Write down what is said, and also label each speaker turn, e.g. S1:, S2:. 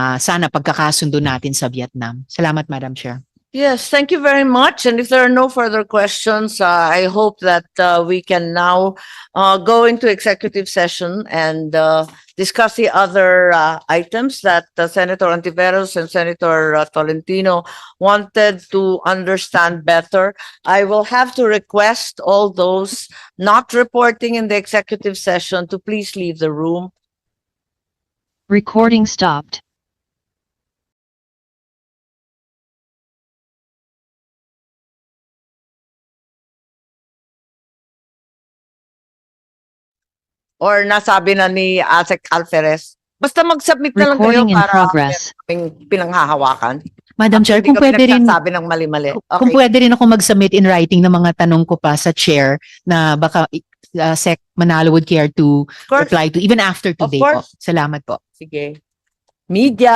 S1: sana pagkakasundo natin sa Vietnam. Salamat, Madam Chair.
S2: Yes, thank you very much. And if there are no further questions, I hope that we can now go into executive session and discuss the other items that Senator Antiveros and Senator Tolentino wanted to understand better. I will have to request all those not reporting in the executive session to please leave the room.
S3: Recording stopped.
S2: Or nasabi na ni Asek Alferez. Basta mag-submit na lang kayo
S3: Recording in
S2: para
S3: progress.
S2: kaming pinanghahawakan.
S1: Madam Chair,
S2: Hindi
S1: kung
S2: kami
S1: pwede rin,
S2: nagsasabi ng mali-mali.
S1: kung
S2: Okay.
S1: pwede rin ako mag-submit in writing ng mga tanong ko pa sa Chair na baka Sec Manalo would care to
S2: Of course.
S1: reply to even after
S2: Of
S1: today po.
S2: course.
S1: Salamat po.
S2: Sige. Media.